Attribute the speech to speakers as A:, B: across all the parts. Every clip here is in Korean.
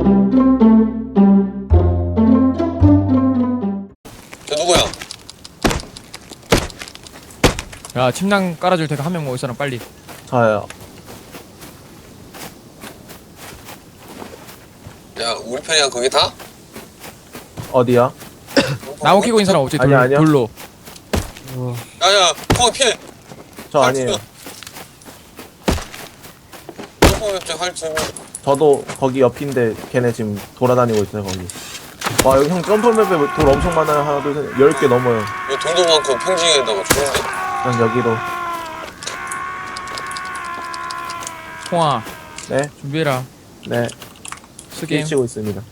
A: 저 누구야?
B: 야 침낭 깔아줄 테니까 한 명 모을 사람 빨리.
C: 저요.
A: 야 우리 편이야 거기 다?
C: 어디야?
B: 나무 끼고 있는 사람 없지?
C: 아니야, 아니야.
B: 돌로.
A: 야야 거기 피해.
C: 저 아니에요.
A: 할 줄.
C: 저도 거기 옆인데 걔네 지금 돌아다니고 있어요 거기. 와 여기 형 점프맵에 돌 엄청 많아요. 하나 둘 셋 10개 넘어요.
A: 여기 돌도 많고 평지에다가 좋은데?
C: 그냥 여기로.
B: 홍아
C: 네?
B: 준비해라.
C: 네.
B: 스게임
C: 치고 있습니다.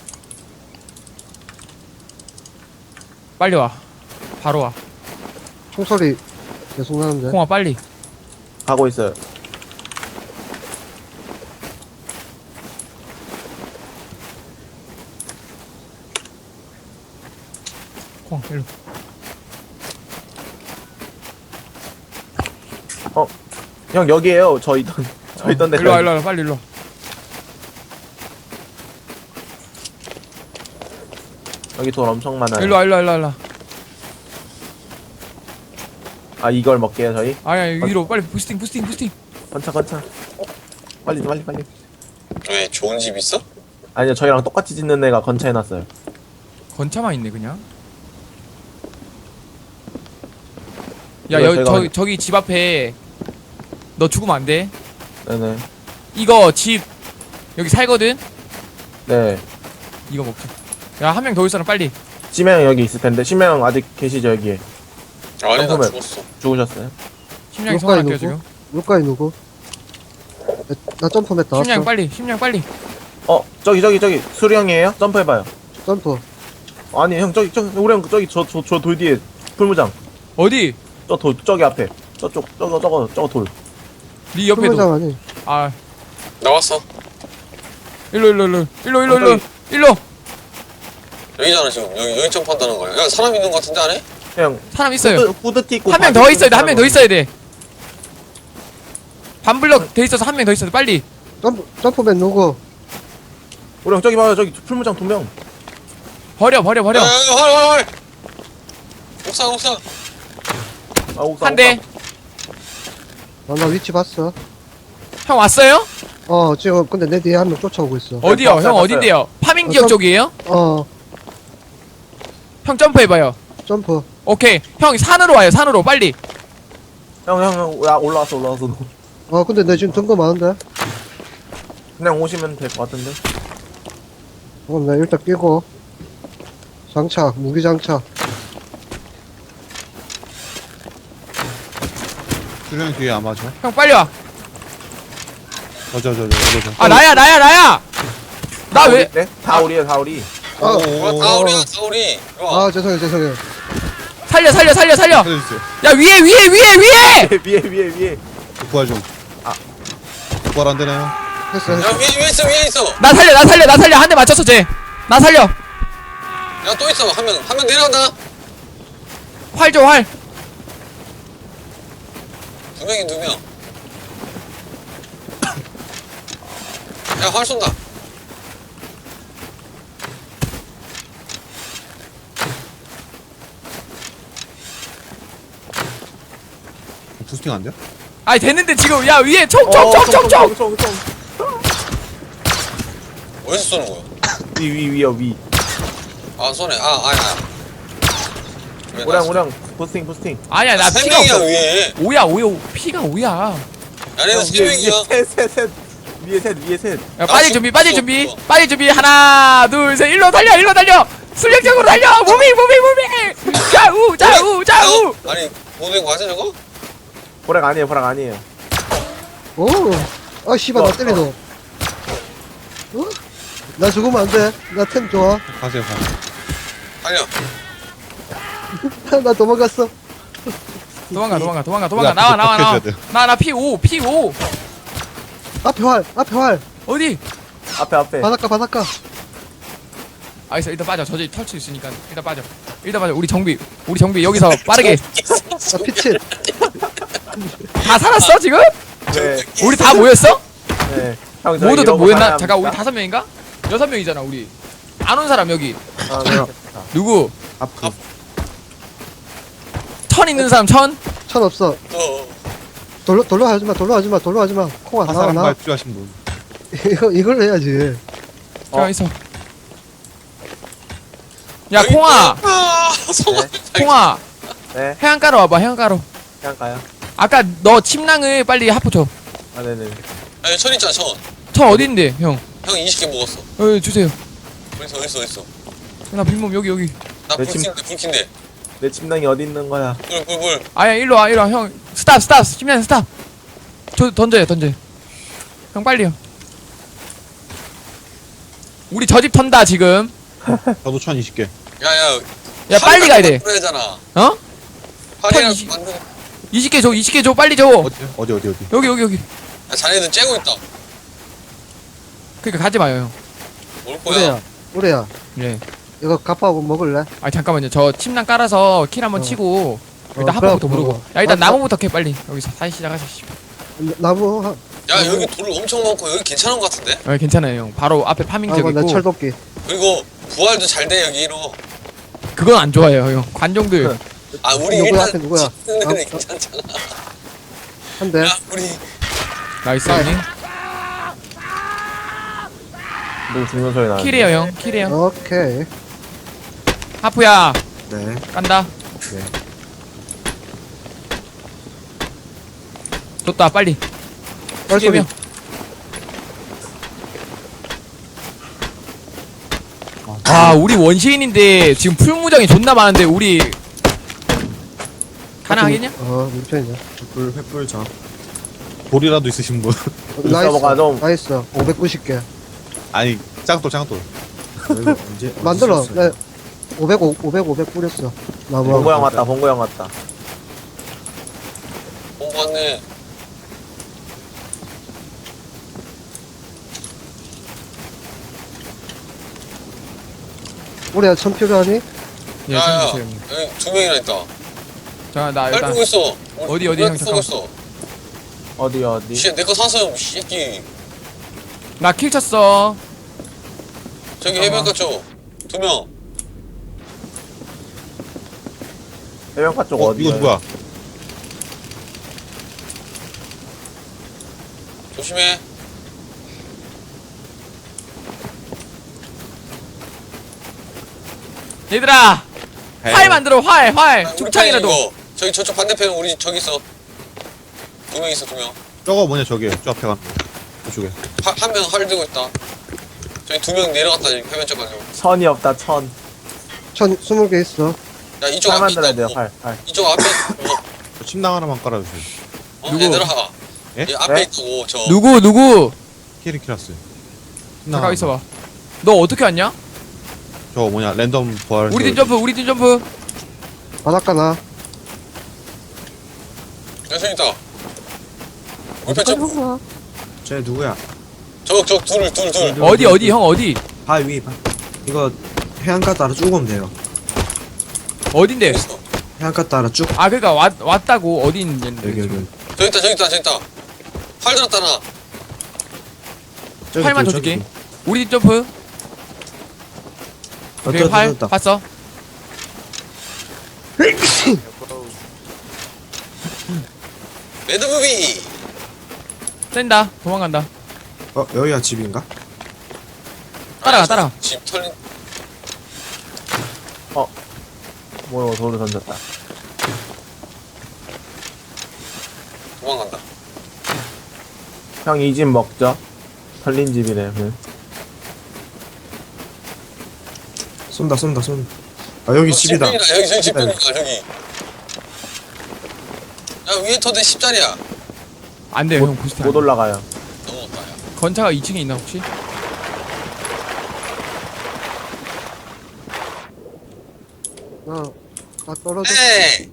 B: 빨리 와. 바로 와.
D: 총소리 계속 나는데.
B: 홍아 빨리.
C: 가고 있어요.
B: 홍아 일로.
C: 형 여기에요. 저 있던 데.
B: 일로 와 일로 와 빨리 일로 와.
C: 여기 돌 엄청 많아요.
B: 일로 와 일로 와 일로 와 일로 와.
C: 아 이걸 먹게요 저희?
B: 아니야 위로 빨리 부스팅.
C: 건차. 빨리.
A: 왜 좋은 집 있어?
C: 아니요 저희랑 똑같이 짓는 애가 건차해놨어요.
B: 건차만 있네 그냥. 야
C: 이거 제가
B: 저기 집 앞에 너 죽으면 안 돼.
C: 네네.
B: 이거 집 여기 살거든.
C: 네.
B: 이거 먹자. 야 한 명 더 올 사람 빨리.
C: 심해형 여기 있을 텐데 심해형 아직 계시죠 여기에?
A: 아니 나
C: 잠깐만.
A: 죽었어.
C: 죽으셨어요?
B: 심장이
D: 물가에
B: 성공할게요
D: 누구?
B: 지금.
D: 물가에 누구? 나 점프맨 나왔어.
B: 심장 빨리.
C: 저기 수령이에요? 점프해봐요.
D: 점프.
C: 아니 형 저기 우리 형 저기 저 돌 뒤에 풀무장.
B: 어디?
C: 저기 앞에 저거 돌.
B: 네 옆에도.
D: 풀무장 아니.
B: 아
A: 나왔어.
B: 일로.
C: 저기.
A: 여기잖아 지금. 여기 점프한다는 거야. 야 사람 있는 거 같은데 안에?
C: 형
B: 사람 있어요.
C: 후드티 입고
B: 한 명 더 있어야 돼. 한 명 더 있어야 돼. 반블럭 돼 있어서 한 명 더 있어야 돼. 빨리.
D: 점프맨 누구?
C: 우리 형 저기 봐요 저기 풀무장 2명.
B: 버려.
A: 헐. 옥상.
C: 아, 옥상,
B: 한 대.
D: 나 위치 봤어.
B: 형 왔어요?
D: 지금 근데 내 뒤에 한 명 쫓아오고 있어.
B: 어디요?
C: 봤어요,
B: 형
C: 봤어요.
B: 어딘데요? 파밍 지역
D: 점-
B: 쪽이에요? 형 점프해봐요.
D: 점프.
B: 오케이. 형 산으로 와요. 산으로 빨리.
C: 형 야, 올라왔어.
D: 근데 내 지금 든거 많은데?
C: 그냥 오시면 될 것 같은데.
D: 그럼 나 일단 끼고. 장착, 무기 장착.
E: 수령 뒤에 안 맞아?
B: 형 빨리 와.
E: 저.
B: 아 나야. 나 왜?
C: 네? 다 우리.
A: 다 우리야 다 우리. 이거.
D: 죄송해요.
B: 살려.
E: 살려주세요.
B: 야 위에.
C: 위에.
E: 부활 좀. 부활 안 되나요?
D: 했어.
A: 야 위에 있어.
B: 나 살려. 한 대 맞췄어 쟤. 나 살려.
A: 야 또 있어. 한 명 내려간다.
B: 활 줘. 활.
A: 두 명. 야 활 쏜다.
E: 부스팅 안 돼요?
B: 아니 됐는데 지금 야 위에 총.
A: 어디서 쏘는 거야?
C: 위.
A: 아 쏘네. 아야.
C: 우량 부스팅.
B: 아니야 나
A: 세
B: 피가
A: 명이야
B: 없어.
A: 위에.
B: 5야. 피가 5야.
A: 야 얘는 세 명이야.
C: 셋. 위에 셋.
B: 야 빠질 준비.
A: 없어.
B: 빠질 준비. 하나 둘 셋. 일로 달려. 순력적으로 달려. 무빙. 좌우.
A: 아니 모든 거 맞아 저거?
C: 보락 아니에요.
D: 씨발, 나 때리노. 나 죽으면 안 돼. 나 템 좋아.
E: 가세요.
A: 달려.
D: 나 도망갔어.
B: 도망가.
E: 우리
B: 나와.
E: 앞에서 버텨줘야
B: 나 P5.
D: 앞에 활.
B: 어디?
C: 앞에.
D: 바닷가.
B: 알겠어. 일단 빠져. 저지 털 수 있으니까 일단 빠져. 우리 정비 여기서 빠르게.
D: 나 피칠.
B: 다 살았어 지금?
C: 네.
B: 우리 다 모였어?
C: 네. 형,
B: 모두 다
C: 이러고
B: 모였나?
C: 가야
B: 잠깐 우리
C: 합니다.
B: 5명인가? 6명이잖아 우리. 안 온 사람 여기.
C: 아, 네.
B: 누구?
E: 아프.
B: 천 있는 사람 천?
D: 천 없어. 돌로 하지마. 콩아
E: 화살
D: 나와.
E: 한발 필요하신 분.
D: 이걸 해야지.
B: 잠깐 있어. 야 콩아, 콩아,
C: 네.
B: 해안가로 와봐 해안가로.
C: 그냥 가요.
B: 아까 너 침낭을 빨리 하프 줘.
C: 아, 네네.
A: 아니 천 있잖아 천.
B: 천 어딘데 형?
A: 형 20개 먹었어.
B: 주세요.
A: 어딨어.
B: 나 빈몸 여기.
A: 나
C: 내 침-
A: 불킨데.
C: 내 침낭이 어디 있는 거야?
A: 물.
B: 아야 일로 와 형. 스탑 침낭 스탑. 던져요. 형 빨리요. 우리 저 집 턴다 지금.
E: 저도 1020개.
A: 야야.
B: 야 빨리 가야 돼.
A: 그래야잖아.
B: 어?
A: 팔이랑
B: 20.
A: 만든.
B: 20개 줘 빨리 줘.
E: 어디?
B: 여기.
A: 야, 자네들 째고 있다.
B: 그러니까 가지 마요 형.
A: 올 거야.
D: 우리야.
B: 예.
D: 이거 갑하고 먹을래?
B: 아 잠깐만요. 저 침낭 깔아서 킬 한번 치고 일단 하프부터
D: 그래갖고
B: 모르고.
D: 먹어.
B: 야 일단
D: 아,
B: 나무부터 캐 빨리. 여기서 다시 시작하시죠.
D: 나무
A: 야 여기 돌 엄청 많고 여기 괜찮은 것 같은데?
B: 아 괜찮아요 형. 바로 앞에 파밍 지역
D: 아이고 나
B: 있고.
D: 철도끼.
A: 그리고 부활도 잘 돼 여기로.
B: 그건 안 좋아요 형. 관종들.
A: 아 우리
D: 누구야,
A: 일단
D: 앞에 누구야?
A: 짓는 데는
D: 아,
A: 괜찮잖아.
D: 한 대.
A: 야 우리
B: 나이스 형님.
C: 누구 죽는 소리 나는데.
B: 킬이에요 형. 킬이에요.
D: 오케이.
B: 하프야
D: 네.
B: 깐다. 좋다 빨리.
D: 빨리.
B: 명. 아 우리 원시인인데 지금 풀무장이 존나 많은데 우리 가능하겠냐?
D: 우리 편이냐?
E: 돌이라도 있으신 분.
C: 넘어가, 좀.
D: 나이스. 590개.
E: 아니 짱돌.
D: 만들어. 네. 500 뿌렸어. 나무.
C: 봉고 형 왔다. 봉고 형 왔다.
A: 본거 같네.
D: 우리야 천 필요하니?
B: 예,
A: 야야
B: 챙겨주세요, 형님.
A: 여기 두 명이나 있다.
B: 자, 나
A: 날
B: 일단
A: 보고 있어.
B: 어디,
A: 우리
B: 형,
A: 쏘고
B: 잠깐.
A: 있어.
C: 어디?
A: 씨내거 사서 새끼.
B: 나 킬 쳤어.
A: 저기 해변가 쪽. 두 명.
C: 해변가 쪽 어디?
E: 이거 누구야?
A: 조심해.
B: 얘들아, 활 만들어, 활.
A: 아, 우리
B: 죽창이라도.
A: 편이 이거. 저기 저쪽 반대편 우리 저기 있어. 두 명 있어 두 명.
E: 저거 뭐냐 저기 저 앞에 가는 거. 저쪽에.
A: 한 명 활 들고 있다. 저기 두 명 내려갔다 해변 쪽 가지고.
C: 천이 없다. 천.
D: 천 20개 있어.
A: 야 이쪽
C: 활
A: 앞에
C: 만들어야
A: 있다고.
C: 돼요. 활.
A: 이쪽 앞에 있다고.
E: 저 침낭 하나만 깔아주세요.
B: 누구?
A: 얘들아.
E: 예?
A: 얘 앞에
C: 네?
A: 있다고 저.
B: 누구?
E: 키리키라스.
B: 잠깐 있어봐. 너 어떻게 왔냐?
E: 저거 뭐냐 랜덤 부활.
B: 우리 팀 점프.
D: 바닷가 나.
A: 여기 있다. 옆에 저.
F: 쟤 누구야?
A: 저 둘.
B: 어디, 형 어디?
F: 발 위. 이거 해안가 따라 쭉 오면 돼요.
B: 어딘데?
A: 있어.
F: 해안가 따라 쭉.
B: 아, 그러니까 왔다고 어디 있는지.
F: 여기.
A: 저기 있다. 활 들었다 나.
F: 저기
B: 활만
F: 둘,
B: 줘줄게.
F: 저기
B: 우리 팀 점프.
F: 둘.
B: 오케이, 활
F: 떴다.
B: 봤어.
A: 매드무비.
B: 뗀다. 도망간다.
F: 여기가 집인가?
B: 따라가.
A: 집 털린.
C: 뭐야, 돌을 던졌다.
A: 도망간다.
C: 형 이 집 먹죠? 털린 집이네. 응.
F: 쏜다. 아 여기 집이다.
A: 집병이다. 여기 저기
F: 집이다.
A: 집병이다 저기. 야 위에 터대 10짜리야.
B: 안 돼요, 형 부스트.
C: 못 올라가요.
A: 넘어갔다 야.
B: 건차가 2층에 있나 혹시?
D: 나 떨어져.
A: 에이.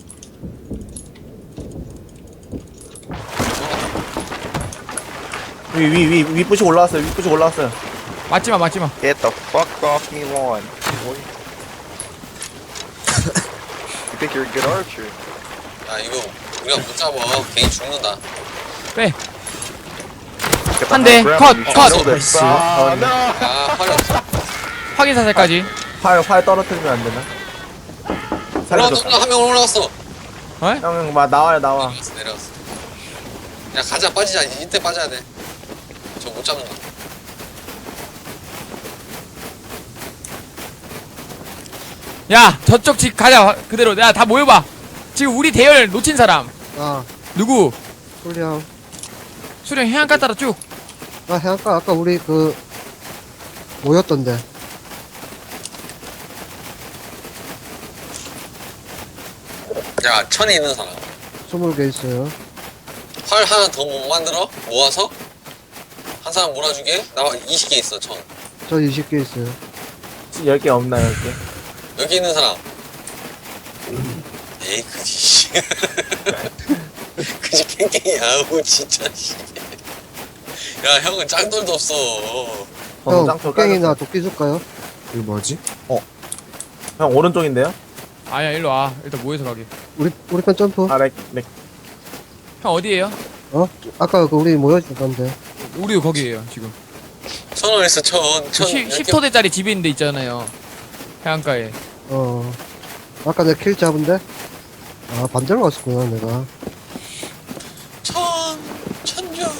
C: 위 부시 올라왔어요.
B: 맞지마.
G: Get the fuck off me lawn. boy. You think you're a good archer?
A: 야 이거 우리가 못 잡아. 괜히 죽는다.
B: 빼.
G: Get
B: 한
G: the
B: 대,
G: high
B: 컷,
G: ground, you
B: 컷.
G: should know this.
A: 아
B: 확인 사살까지.
C: 활 떨어뜨리면 안 되나? 살려줘.
A: 올라갔어. 한 명 올라갔어.
B: 어?
C: 형, 나와요, 나와.
A: 내려갔어. 야 가자 빠지자. 이때 빠져야 돼. 저 못 잡는다.
B: 야 저쪽 집 가자 그대로. 야 다 모여봐. 지금 우리 대열 놓친 사람
D: 아,
B: 누구?
D: 소리야.
B: 수령 해안가 따라 쭉.
D: 나 해안가 아까 우리 그 모였던데.
A: 야 천에 있는 사람.
D: 20개 있어요.
A: 활 하나 더 못 만들어? 모아서? 한 사람 몰아주게? 나 20개 있어 천.
D: 저 20개 있어요.
C: 10개 없나, 10개?
A: 여기 있는 사람. 에이 그지. 그지 깽깽이 아우 진짜 씨. 야 형은 짱돌도 없어.
C: 저는
D: 형,
C: 짱돌
D: 깽이나
C: 깔렸어.
D: 도끼 줄까요?
F: 이거 뭐지?
C: 형, 오른쪽인데요?
B: 아니야 일로 와. 일단 모여서 가게.
D: 우리 편 점프.
C: 아,
B: 형 어디에요?
D: 어? 아까 그 우리 모였을 건데.
B: 우리도 거기에요 지금.
A: 천 원 있어 천.
B: 10토대짜리 집이 있는데 있잖아요. 해안가에.
D: 어. 아까 내가 킬 잡은데? 아, 반대로 갔었구나, 내가.
A: 천조.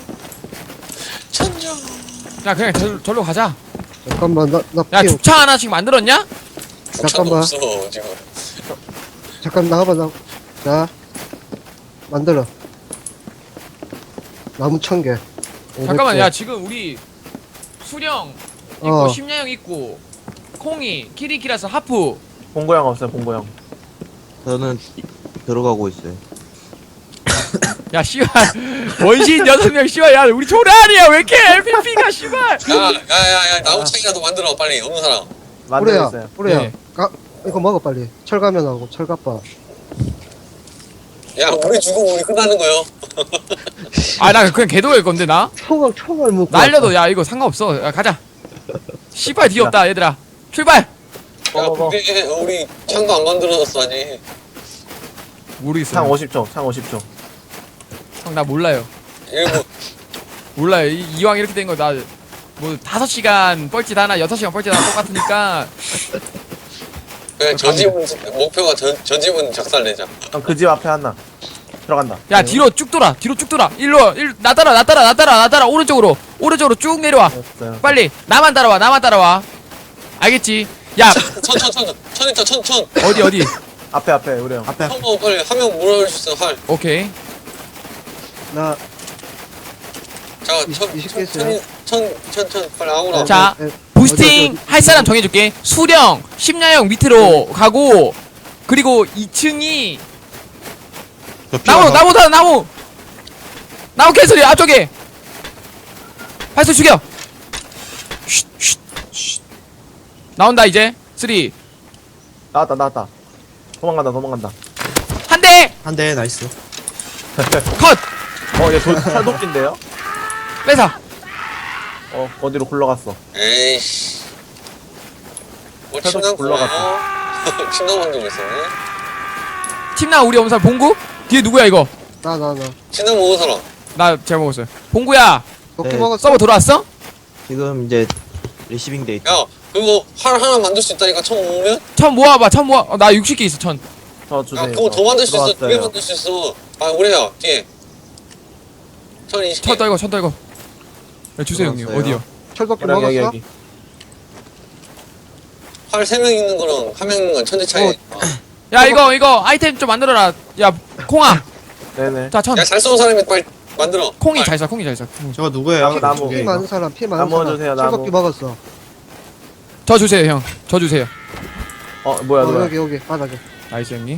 B: 야 그냥 절로 가자.
D: 잠깐만, 나
B: 야
D: 피,
B: 죽창 하나씩 만들었냐?
A: 천도
D: 잠깐만.
A: 없어 지금.
D: 잠깐 나가봐, 자. 만들어. 나무 1000개.
B: 잠깐만 야 지금 우리 수령 있고
D: 어.
B: 심야형 있고 콩이 키리키라스 하프.
C: 봉고형 없어요, 봉고형.
F: 저는 들어가고 있어요.
B: 야 씨발 원신 6명 씨발. 야 우리 조라리야 왜 이렇게 LPP가 씨발.
A: 야야야야 나무 창이라도 만들어 빨리 없는 사람.
C: 만들고
D: 뿌려야,
C: 있어요.
D: 뿌려야.
B: 네.
D: 이거 먹어, 빨리. 철가면하고, 철갑바.
A: 야 우리 죽으면 우리 끝나는 거요.
B: 아 나 그냥 개도일 건데 나.
D: 총알 묶고.
B: 날려도 야 이거 상관없어. 야 가자. 씨발 뒤없다 얘들아. 출발.
A: 야
C: 먹어.
A: 근데 우리 창도 안 만들어졌어 아직.
B: 모르겠어.
C: 창 50초, 창 50초.
B: 형 나 몰라요.
A: 일부
B: 몰라요. 이왕 이렇게 된 거 나 뭐 5시간 뻘짓 하나 6시간 뻘짓 하나 똑같으니까.
A: 그냥 저 집은 목표가 저 집은 작살내자.
C: 형, 그 집 앞에 하나. 들어간다.
B: 야 뒤로 쭉 돌아. 뒤로 쭉 돌아. 나 따라 오른쪽으로 쭉 내려와.
C: 됐어요.
B: 빨리 나만 따라와. 알겠지? 야
A: 천 있다 천.
B: 어디
C: 앞에, 우리 형.
F: 앞에
A: 한번 빨리 한 명 몰아줄 수 있어 활.
B: 오케이.
D: 나,
A: 자
D: 20개 있어요.
A: 천 빨리 아무나.
B: 자
D: 에,
B: 부스팅
D: 어디,
B: 할 사람 정해줄게. 수령 심야형 밑으로 가고 그리고 2층이
E: 저 피가
B: 나무 개소리 앞쪽에 발소 죽여. 쉿. 나온다 이제 3
C: 나왔다. 도망간다.
B: 한 대
F: 한 대 나이스.
B: 컷.
C: 얘 철도끼인데요?
B: 뺏어.
C: 어디로 굴러갔어.
A: 에이씨. 뭐
C: 저도
A: 침낭
C: 굴러갔어.
A: 침낭 만들고 있었네.
B: 팀나 우리 엄살 봉구 뒤에 누구야 이거?
D: 나.
A: 침낭 먹은 사람.
B: 나 잘 먹었어요. 봉구야
D: 도끼
F: 네.
D: 먹었어?
B: 서버 돌아왔어?
F: 지금 이제 리시빙 데이트.
A: 야 그거 활 하나 만들 수 있다니까 천 모으면?
B: 천 모아. 나 60개 있어 천.
C: 저 주세요.
A: 야 그거 더 만들 수 있어. 두 개
C: 들어왔어요.
A: 만들 수 있어. 아 우리야 뒤에. 천 20개.
B: 천 떨고. 야, 주세요 형님.
F: 들어왔어요.
B: 어디요?
D: 철도끼
C: 여기,
D: 먹었어?
C: 여기.
A: 활 3명 있는 거랑 한 명 있는 건 천지 차이.
B: 야 이거 아이템 좀 만들어라. 야 콩아.
C: 네네.
B: 자 천.
A: 야잘 쏘는 사람이 빨리 만들어.
B: 콩이
A: 활.
B: 잘 써.
F: 저거 누구예요?
C: 나무.
D: 피 많은 사람, 피 많은
C: 나무
D: 사람.
C: 주세요, 나무.
D: 철도끼 먹었어.
B: 저 주세요 형. 저 주세요.
C: 뭐야.
D: 여기, 바닥에.
B: 나이스 형님.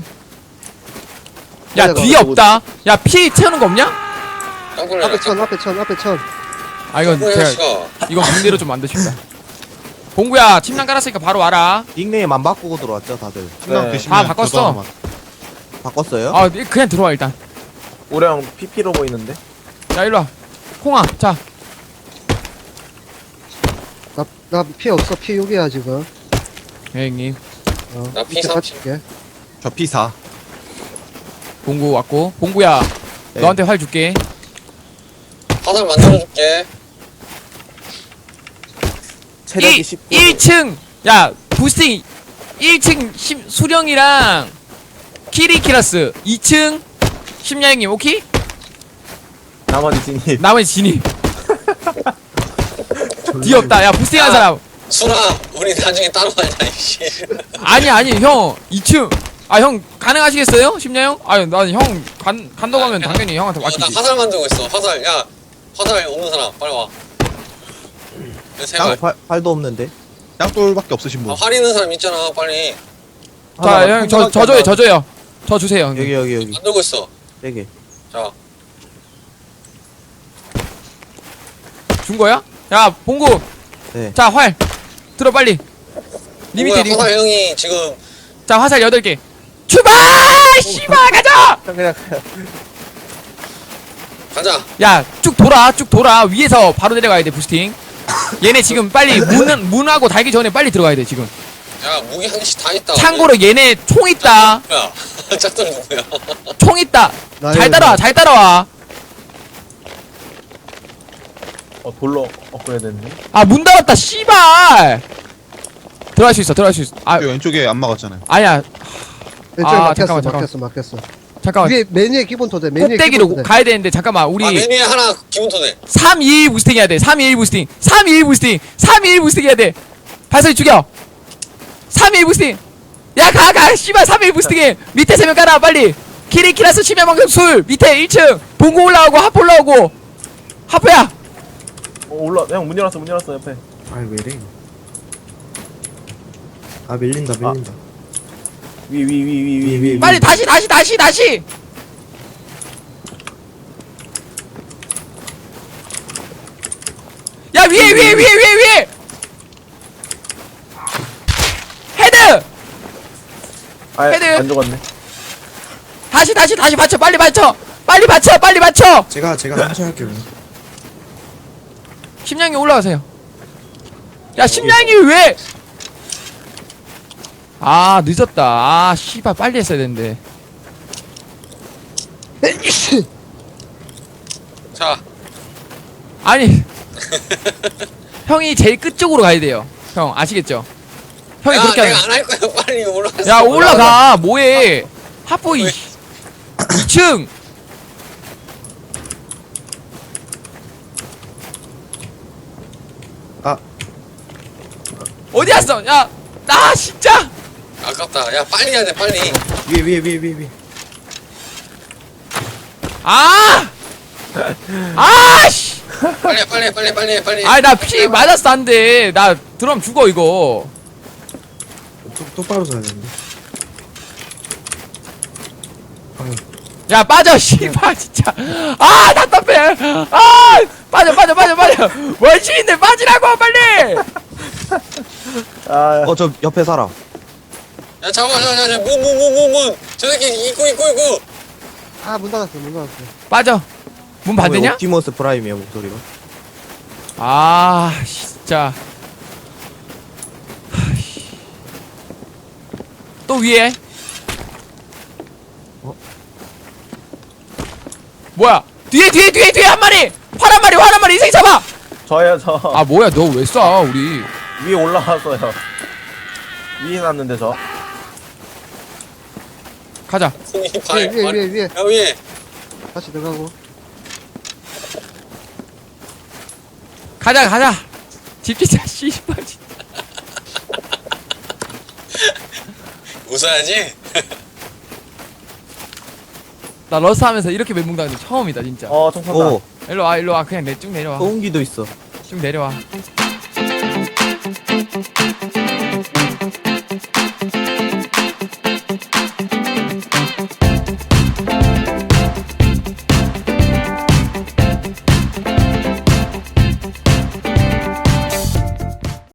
B: 야
D: 내가
B: 뒤에 없다. 야 피 채우는 거 없냐?
A: 짱돌려.
D: 앞에 천.
B: 아 이건
A: 짱돌려
B: 제가
A: 씨가.
B: 이건 문제로 좀 만드십니다. 봉구야 침낭 깔았으니까 바로 와라.
F: 닉네임 안 바꾸고 들어왔죠 다들.
E: 침낭
C: 네.
E: 드시면
B: 아, 바꿨어.
E: 저도 하나만.
F: 바꿨어요?
B: 아 그냥 들어와 일단.
C: 우리 형 PP로 보이는데?
B: 야 일로 와. 콩아 자.
D: 나 피 없어. 피 6이야, 지금.
B: 네, 형님.
A: 나 피
D: 밑에
A: 30.
D: 받칠게.
E: 저 P4.
B: 봉구 왔고. 봉구야
F: 네.
B: 너한테 활 줄게.
A: 화살 만들어줄게.
C: 체력이 19.
B: 1층 야 부스팅 1층 수령이랑 키리키라스 2층 심야행님 오케이?
C: 나머지 진입.
B: 나머지 진입 뒤없다 야 부스팅한
A: 야.
B: 사람
A: 순아 우리 나중에 따로 하자 이씨.
B: 아니 형 2층 아 형 가능하시겠어요? 심야형? 아니 난형 간다고 하면 당연히 형한테
A: 나
B: 맡기지
A: 화살 만들고 있어. 화살. 야 화살 없는 사람 빨리 와. 세 발.
E: 활도 없는데. 짱돌밖에 없으신 분.
A: 활 있는 사람 있잖아. 빨리
C: 하나,
B: 자형 저
C: 하나밖에 안
B: 줘요 저 주세요 형님.
E: 여기
A: 만들고 있어.
E: 3개.
A: 자
B: 준 거야? 야 봉구
E: 네.
B: 자 활 들어 빨리 리미트
A: 누구야, 화살 형이 지금
B: 자 화살 8개 출발 씨발 가자
C: 그냥
A: 가자.
B: 야 쭉 돌아 위에서 바로 내려가야 돼 부스팅 얘네 지금 빨리 문하고 달기 전에 빨리 들어가야 돼 지금
A: 야 무기 한 개씩 다 있다.
B: 참고로 얘네 총 있다
A: 야 짝돌 누구야?
B: 총 있다 잘
D: 나요,
B: 따라와
C: 돌로 업그레이드 됐네.
B: 아 문 닫았다 씨발 들어갈 수 있어 아
E: 왼쪽에 안 막았잖아요.
B: 아니야
D: 왼쪽에
B: 아,
D: 막혔어
B: 잠깐만.
D: 막혔어
B: 잠깐만
D: 위에 메뉴의 기본 토대 메뉴의
B: 꼭대기로
D: 기본 토대
B: 가야 되는데 잠깐만 우리
A: 아 메뉴에 하나 기본 토대.
B: 321 부스팅 해야 돼 321 부스팅 321 부스팅 해야 돼 발소리 죽여 321 부스팅 야 가 씨발 321 부스팅해 밑에 3명 깔아 빨리 키리키라스 치매망금 술 밑에 1층 봉고 올라오고 하프 올라오고 하프야
C: 올라. 형 문 열었어 옆에.
F: 아이 왜래 아 밀린다
C: 위.
B: 빨리 다시 야 위에 헤드 헤드.
C: 안 죽었네.
B: 다시 받쳐 빨리 받쳐
F: 제가 상처할게요
B: 심장이 올라가세요 야 심장이 왜 아 늦었다 아 씨발 빨리 했어야 되는데
A: 자
B: 아니 형이 제일 끝쪽으로 가야 돼요 형 아시겠죠 형이
A: 야,
B: 그렇게
A: 내가
B: 하면
A: 안 할 거야. 빨리 올라가.
B: 야 올라가 뭐해 하프 2층
F: 아.
B: 어디 갔어 야 나 진짜
A: 아깝다. 야 빨리 해야 돼. 빨리.
F: 위에
B: 씨
A: 빨리.
B: 아이 나 피 맞았어 안돼 나 들어가면 죽어 이거
F: 똑바로 서야 되는데
B: 야 빠져 씨발 진짜 아 답답해 아 빠져 원신인데 빠지라고 빨리
C: 아,
E: 저 옆에 살아.
A: 야 잡아. 문. 저 새끼 입구.
D: 아 문 닫았어
B: 빠져 문 반대냐?
E: 옵티머스 프라임이야 목소리가.
B: 아 진짜 또 위에 뭐야 뒤에 한 마리 활 한 마리 이 새끼 잡아
C: 저예요 저.
B: 아 뭐야 너 왜 쏴 우리
C: 위에 올라왔어요. 위에 놨는데 저.
B: 가자
A: 손이 발.
D: 위에
A: 야 위에.
D: 다시 들어가고
B: 가자 집지자 씨발
A: 웃어야지.
B: 나 러스 하면서 이렇게 멘붕 당한 적 처음이다 진짜
C: 총 쏜다.
E: 오,
B: 일로 와 그냥 쭉 내려와
E: 소음기도 있어.
B: 쭉 내려와